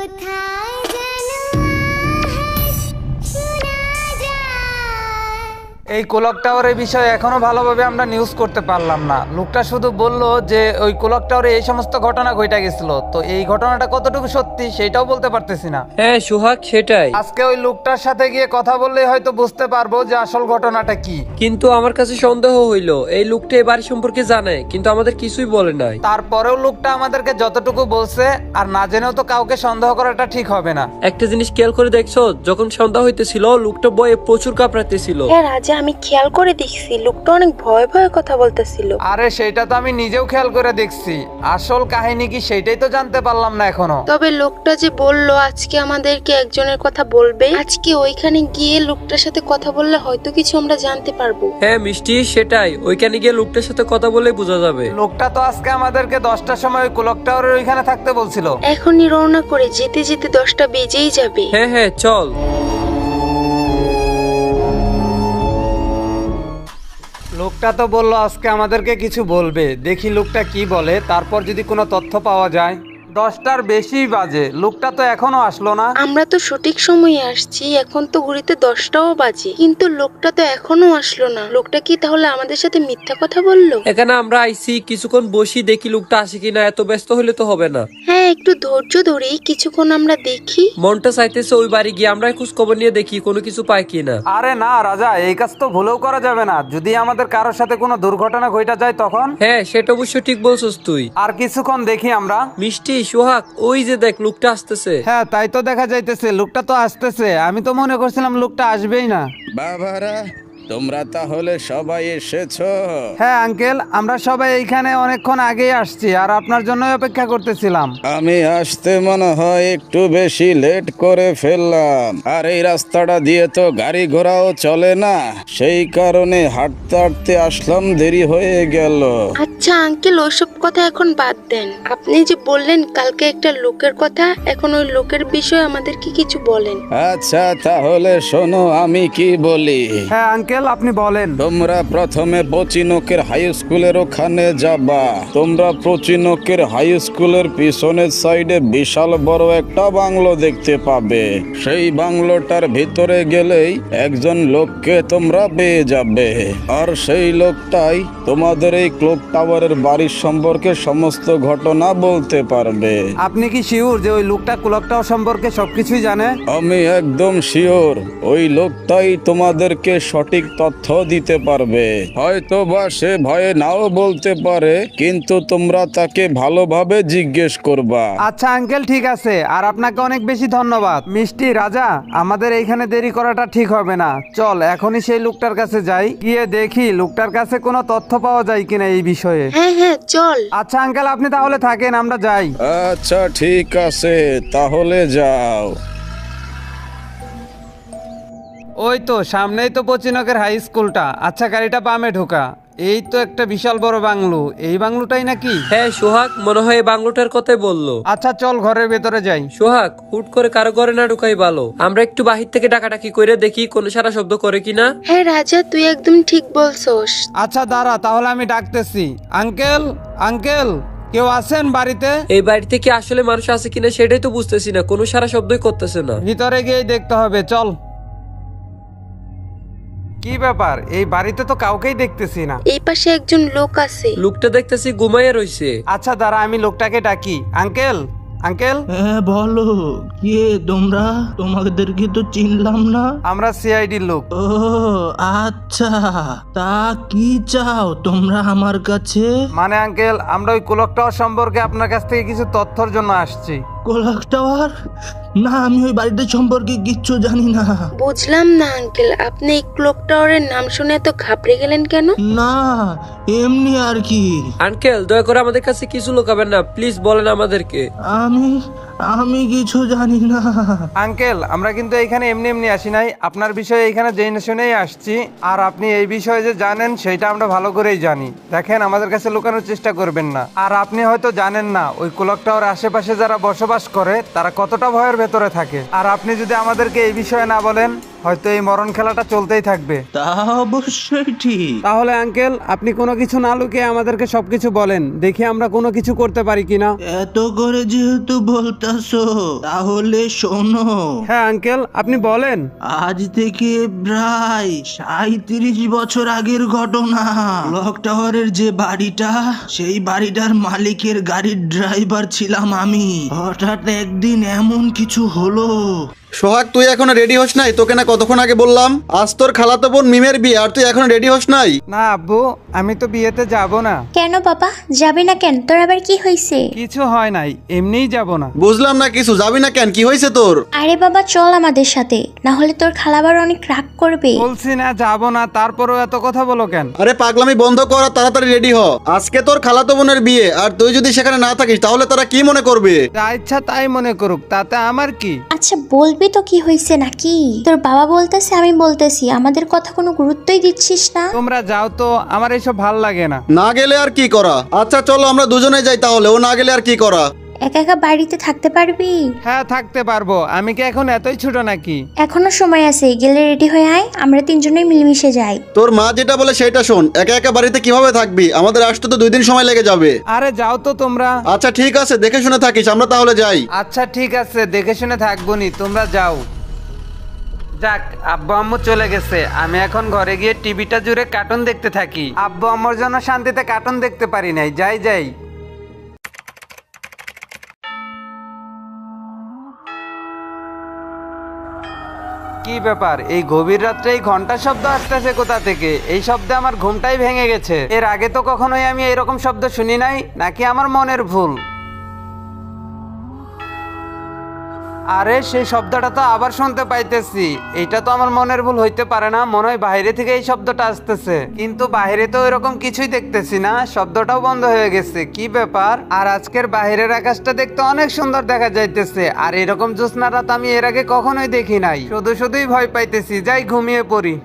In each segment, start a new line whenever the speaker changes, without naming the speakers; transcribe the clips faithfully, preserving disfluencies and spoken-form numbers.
এই কোলক টাওয়ারের বিষয়ে এখনো ভালোভাবে আমরা নিউজ করতে পারলাম না। লোকটা শুধু বললো যে ওই কোলক টাওয়ারে এই সমস্ত ঘটনা ঘটে গেছিল, তো এই ঘটনাটা কতটুকু সত্যি সেটাও বলতে পারতেছি না।
হ্যাঁ সোহাগ, সেটাই।
আজকে ওই লোকটার সাথে গিয়ে কথা বললেই হয়তো বুঝতে পারবো যে আসল ঘটনাটা কি।
কিন্তু আমার কাছে সন্দেহ হইলো, এই লোকটা এই বাড়ি সম্পর্কে জানে কিন্তু আমাদের কিছুই বলে নাই।
তারপরেও লোকটা আমাদেরকে যতটুকু বলছে, আর না জেনেও তো কাউকে সন্দেহ করাটা ঠিক হবে না।
একটা জিনিস খেয়াল করে দেখছো, যখন সন্ধ্যা হইতেছিল লোকটা বয়ে প্রচুর কাঁপড়াতেছিল।
হ্যাঁ রাজা, আমি খেয়াল করে দেখছি লোকটা অনেক ভয় ভয় কথা বলতেছিল।
আরে সেটা তো আমি নিজেও খেয়াল করে দেখছি, আসল কাহিনী কি সেটাই তো জানতে পারলাম না এখনো।
তবে লোকটা যে বললো আজকে আমাদেরকে একজনের কথা বলবে, আজকে ওইখানে গিয়ে লোকটার সাথে কথা বললে হয়তো কিছু আমরা জানতে পারবো।
হ্যাঁ মিষ্টি, সেটাই। ওইখানে গিয়ে লোকটার সাথে কথা বলে বোঝা যাবে।
লোকটা তো আজকে আমাদেরকে দশটার সময় কোলক টাওয়ারের ওইখানে থাকতে বলছিল।
এখনই রওনা করে যেতে যেতে দশটা বেজেই যাবে।
হ্যাঁ হ্যাঁ চল।
লোকটা তো বললো আজকে আমাদেরকে কিছু বলবে, দেখি লোকটা কি বলে, তারপর যদি কোনো তথ্য পাওয়া যায়। দশটার বেশি বাজে, লোকটা তো এখনো আসলো না।
আমরা তো সঠিক সময়ে আসছি, এখন তো ঘড়িতে দশটাও বাজে, কিন্তু লোকটা তো এখনো আসলো না। লোকটা কি তাহলে আমাদের সাথে মিথ্যা কথা বললো?
এখানে আমরা আইছি, কিছুক্ষণ বসি, দেখি লোকটা আসে কিনা। এত ব্যস্ত হলে তো হবে না।
হ্যাঁ, একটু ধৈর্য ধরে কিছুক্ষণ আমরা দেখি।
মনটা চাইতেছে ওই বাড়ি গিয়ে আমরা খোঁজ খবর নিয়ে দেখি কোনো কিছু পাই কিনা।
আরে না রাজা, এই কাজ তো ভুলেও করা যাবে না। যদি আমাদের কারোর সাথে কোনো দুর্ঘটনা ঘটে যায় তখন।
হ্যাঁ সেটা অবশ্য ঠিক বলছস তুই।
আর কিছুক্ষণ দেখি আমরা।
মিষ্টি, সোহাগ, ওই যে দেখ লোকটা আসতেছে।
হ্যাঁ তাই তো দেখা যাইতেছে, লোকটা তো আসতেছে। আমি তো মনে করছিলাম লোকটা আসবেই না।
বাবারা, তোমরা তাহলে সবাই এসেছো?
হ্যাঁ আঙ্কেল, আমরা সবাই এইখানে অনেকক্ষণ আগেই আসছি, আর আপনার জন্যই অপেক্ষা করতেছিলাম।
আমি আসতে মনে হয় একটু বেশি লেট করে ফেললাম, আর এই রাস্তাটা দিয়ে তো গাড়ি ঘোড়াও চলে না, সেই কারণে হাঁটতে হাঁটতে আসলাম, দেরি হয়ে গেল।
আচ্ছা আঙ্কেল, ওইসব কথা এখন বাদ দেন। আপনি যে বললেন কালকে একটা লোকের কথা, এখন ওই লোকের বিষয়ে আমাদেরকে কিছু বলেন।
আচ্ছা তাহলে শোনো আমি কি বলি।
হ্যাঁ আঙ্কেল, আপনি বলেন।
তোমরা প্রথমে পচিনকের হাই স্কুলের ওখানে যাবা। তোমরা পচিনকের হাই স্কুলের পিছনের সাইডে বিশাল বড় একটা বাংলো দেখতে পাবে। সেই বাংলোটার ভিতরে গেলেই একজন লোককে তোমরা পেয়ে যাবে, আর সেই লোকটাই তোমাদের এই ক্লক টাওয়ারের বাড়ির সম্পর্কে সমস্ত ঘটনা বলতে পারবে।
আপনি কি শিওর যে ওই লোকটা ক্লক টাওয়ার সম্পর্কে সবকিছুই জানে?
আমি একদম শিওর ওই লোকটাই তোমাদেরকে সঠিক তথ্য দিতে পারবে। হয়তো বা সে ভয়ে নাও বলতে পারে, কিন্তু তোমরা তাকে ভালোভাবে জিজ্ঞেস করবা।
আচ্ছা আঙ্কেল, ঠিক আছে। আর আপনাকে অনেক বেশি ধন্যবাদ। মিষ্টি, রাজা, আমাদের এইখানে দেরি করাটা ঠিক হবে না। চল এখনই সেই লোকটার কাছে যাই, গিয়ে দেখি লোকটার কাছে কোনো তথ্য পাওয়া যায় কিনা এই বিষয়ে।
হ্যাঁ হ্যাঁ চল।
আচ্ছা আঙ্কেল, আপনি তাহলে থাকেন, আমরা যাই।
আচ্ছা ঠিক আছে, তাহলে যাও।
ওই তো সামনেই তো পচিনকের হাই স্কুলটা। আচ্ছা গাড়িটা বামে ঢোকা। এই তো একটা বিশাল বড় বাংলো, এই বাংলোটাই নাকি?
হ্যাঁ সোহাগ, মনে হয় এই বাংলোটার কথাই বললো।
আচ্ছা চল ঘরের ভেতরে যাই।
সোহাগ, হুট করে কারো ঘরে না ঢুকাই ভালো। আমরা একটু বাহির থেকে ডাকাডাকি করে দেখি কোনো সারা শব্দ করে কিনা।
হ্যাঁ রাজা, তুই একদম ঠিক বলছস।
আচ্ছা দাঁড়া, তাহলে আমি ডাকতেছি। আঙ্কেল, আঙ্কেল, কেউ আছেন বাড়িতে?
এই বাড়িতে কি আসলে মানুষ আছে কিনা সেটাই তো বুঝতেছি না, কোনো সারা শব্দই করতেছে না।
ভিতরে গিয়ে দেখতে হবে, চল। কি ব্যাপার, এই বাড়িতে তো কাউকেই দেখতেছি না।
এই পাশে একজন লোক আছে।
লোকটা দেখতেছি ঘুমাইয়া রইছে।
আচ্ছা দাঁড়া, আমি লোকটাকে ডাকি। Uncle, uncle.
হ্যাঁ বলো, কে তোমরা? তোমাদেরকে তো চিনলাম না।
আমরা সিআইডির লোক।
ও আচ্ছা, তা কি চাও তোমরা আমার কাছে?
মানে আঙ্কেল, আমরা ওই কোলক টাওয়ার সম্পর্কে আপনার কাছ থেকে কিছু তথ্যর জন্য আসছি।
কোলাক টাওয়ার? না, আমি ওই বাড়িটা সম্পর্কে কিচ্ছু জানি না।
বুঝলাম না আঙ্কেল, আপনি এই ক্লক টাওয়ারের নাম শুনে এত ঘাবড়ে গেলেন কেন?
না, এমনি আর কি।
আঙ্কেল দয়া করে আমাদের কাছে কিছু লুকাবেন না, প্লিজ বলেন আমাদেরকে।
আমি আমি কিছু জানি না।
আঙ্কেল, আমরা কিন্তু এইখানে এমনি এমনি আসি নাই, আপনার বিষয়ে এইখানে জেনে শুনেই আসছি। আর আপনি এই বিষয়ে যে জানেন সেটা আমরা ভালো করেই জানি। দেখেন, আমাদের কাছে লুকানোর চেষ্টা করবেন না। আর আপনি হয়তো জানেন না ওই কোলক টাওয়ার আশেপাশে যারা বসবাস করে তারা কতটা ভয়ের ভেতরে থাকে। আর আপনি যদি আমাদেরকে এই বিষয়ে না বলেন হয়তো এই মরণ খেলাটা চলতেই থাকবে।
তা অবশ্যই ঠিক।
তাহলে আঙ্কেল আপনি কোনো কিছু না লুকিয়ে আমাদেরকে সবকিছু বলেন, দেখি আমরা কোনো কিছু করতে পারি কিনা।
এত করে যেহেতু বলতাছো তাহলে শোনো।
হ্যাঁ আঙ্কেল আপনি বলেন।
আজ থেকে প্রায় সাঁইত্রিশ বছর আগের ঘটনা। ক্লক টাওয়ারের যে বাড়িটা, সেই বাড়িটার মালিকের গাড়ির ড্রাইভার ছিলাম আমি। হঠাৎ একদিন এমন কিছু হলো।
সোহাগ, তুই এখনো রেডি হস নাই? তোকে না কতক্ষণ আগে বললাম আজ তোর খালাতো বোন মিমের বিয়ে, আর তুই এখনো রেডি হস নাই?
না আব্বু, আমি তো বিয়েতে যাব না।
কেন বাবা, যাবে না কেন? তোর আবার কি হয়েছে?
কিছু হয় নাই, এমনিই যাব না।
বুঝলাম না কিছু, যাবি না কেন? কি হয়েছে তোর?
আরে বাবা চল আমাদের সাথে, না হলে তোর খালাবার অনেক রাগ করবে।
বলছি না যাব না, তারপরেও এত কথা বলো কেন?
আরে পাগলামি বন্ধ কর, আর তাড়াতাড়ি রেডি হ। আজকে তোর খালাতো বোনের বিয়ে, আর তুই যদি সেখানে না থাকিস তাহলে তারা কি মনে করবে?
যা ইচ্ছা তাই মনে করুক, তাতে আমার কি?
আচ্ছা বলবি তো কি হয়েছে নাকি? তোর বাবা বলতেছে, আমি বলতেছি, আমাদের কথা কোনো গুরুত্বই দিচ্ছিস না।
তোমরা যাও তো, আমার এইসব ভাল লাগে না।
না গেলে আর কি করা? আচ্ছা চলো আমরা দুজনে যাই তাহলে, ও না গেলে আর কি করা?
একা একা বাড়িতে থাকতে পারবি?
হ্যাঁ থাকতে পারবো, আমি কি এখন এতই ছোট নাকি?
এখনো সময় আছে, গেলে রেডি হয়ে আয়, আমরা তিনজনেই মিলেমিশে যাই।
তোর মা যেটা বলে সেটা শোন, একা একা বাড়িতে কিভাবে থাকবি? আমাদের আসতে তো দুই দিন সময় লেগে যাবে।
আরে যাও তো তোমরা।
আচ্ছা ঠিক আছে, দেখে শুনে থাকিস, আমরা তাহলে যাই।
আচ্ছা ঠিক আছে, দেখে শুনে থাকবো নি, তোমরা যাও। যাক, আব্বু আম্মু চলে গেছে, আমি এখন ঘরে গিয়ে টিভিটা জুড়ে কার্টুন দেখতে থাকি। আব্বু আম্মুর জন্য শান্তিতে কার্টুন দেখতে পারি নাই। যাই যাই। কি ব্যাপার, এই গভীর রাত্রে এই ঘন্টার শব্দ আসতেছে কোথা থেকে? এই শব্দে আমার ঘুমটাই ভেঙে গেছে। এর আগে তো কখনোই আমি এরকম শব্দ শুনি নাই, নাকি আমার মনের ভুল? আরে সেই শব্দটা তো আবার শুনতে পাইতেছি। এটা তো আমার মনের ভুল হইতে পারে না, মনে হয় বাইরে থেকে এই শব্দটা আসতেছে। কিন্তু বাইরে তো এরকম কিছুই দেখতেছি না, শব্দটাও বন্ধ হয়ে গেছে। কি ব্যাপার? আর আজকের বাইরের আকাশটা দেখতে অনেক সুন্দর দেখা যাইতেছে, আর এরকম জ্যোৎস্না রাত আমি এর আগে কখনোই দেখি নাই। শুধু শুধুই ভয় পাইতেছি, যাই ঘুমিয়ে পড়ি।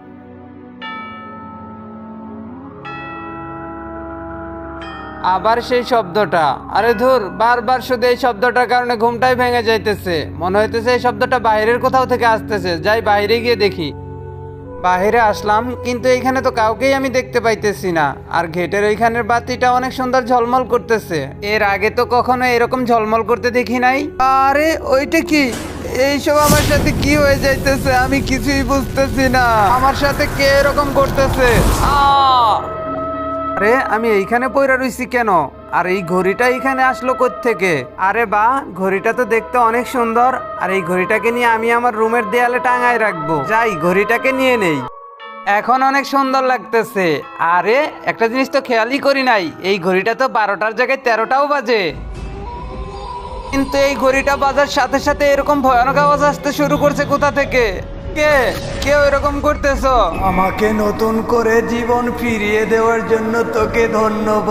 আবার সেই শব্দটা, আরে ধুর, বারবার শুধু এই শব্দটার কারণে ঘুমটাই ভেঙে যাইতেছে। মনে হইতেছে এই শব্দটা বাইরের কোথাও থেকে আসতেছে। যাই বাইরে গিয়ে দেখি। বাইরে আসলাম, কিন্তু এইখানে তো কাউকেই আমি দেখতে পাইতেছি না। আর গেটের ওইখানের বাতিটা অনেক সুন্দর ঝলমল করতেছে। এর আগে তো কখনো এরকম ঝলমল করতে দেখি নাই। আরে ওইটা কি? এইসব আমার সাথে কি হয়ে যাইতেছে? আমি কিছুই বুঝতেছি না। আমার সাথে কে এরকম করতেছে? আহ আরে আমি এইখানে পইরা রইছি কেন? আর এই ঘড়িটা এইখানে আসলো কোত্থেকে? আরে বা, ঘড়িটা তো দেখতে অনেক সুন্দর, আর এই ঘড়িটাকে নিয়ে আমি আমার রুমের দেয়ালে টাঙায় রাখবো। যাই ঘড়িটাকে নিয়ে নেই। এখন অনেক সুন্দর লাগতেছে। আরে একটা জিনিস তো খেয়ালই করি নাই, এই ঘড়িটা তো বারোটার জায়গায় তেরোটাও বাজে। কিন্তু এই ঘড়িটা বাজার সাথে সাথে এরকম ভয়ানক আওয়াজ আসতে শুরু করছে কোথা থেকে? কে কেউ এরকম করতেছো? আমাকে নতুন করে জীবন ফিরিয়ে দেওয়ার জন্য তোকে ধন্যবাদ।